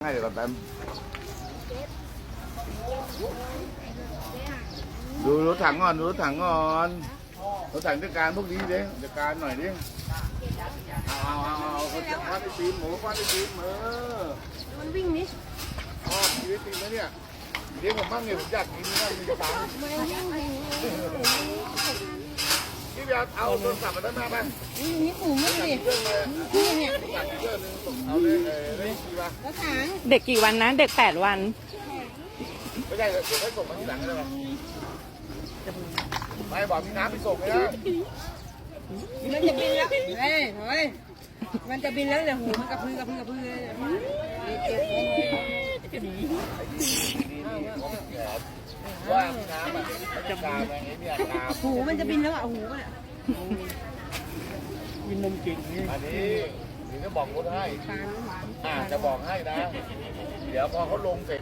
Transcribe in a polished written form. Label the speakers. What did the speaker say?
Speaker 1: ให้เดี๋ยวก่อนแป๊บดูรถถังก่อนดูรถถังก่อนรถถังจัดการพวกนี้ดิจัดการหน่อยดิเอาเขาจะคว้าไอติมหมูคว้าไอติม
Speaker 2: มันวิ่งนี่
Speaker 1: ชอบชีวิตจริงนะเนี่ยเดี๋ยวผมบ้างเนี่ยผมอยากกินนะมีกระปังพี่เบียร์เอาโทรศัพท์มาด้านหน้าบ้าง
Speaker 2: นี่หูมันดิ
Speaker 1: นี่เนี่ยเอาเลยเลยกี่วัน
Speaker 2: แล้วถัง
Speaker 3: เด็กกี่วันนะเด็ก8 วัน
Speaker 1: ไม่ใช่เดี๋ยวให้ส่งมาทีหลังได้ไหมไม่บอกมีน้ำไปส่งเลยนะ
Speaker 2: มันจะบินแล้วเฮ้ยมันจะบินแล้วเนี่ยหูมันกระพือกระพืเลย
Speaker 1: ว่าน้ำอ่ะจะกาวอะไรเนี่ย
Speaker 2: หูมันจะบินแล้วอ่ะหูมันอ่ะ
Speaker 1: กินนมจริงนี่อันนี้นี่จะบอกคนให้จะบอกให้นะเดี๋ยวพอเขาลงเสร็จ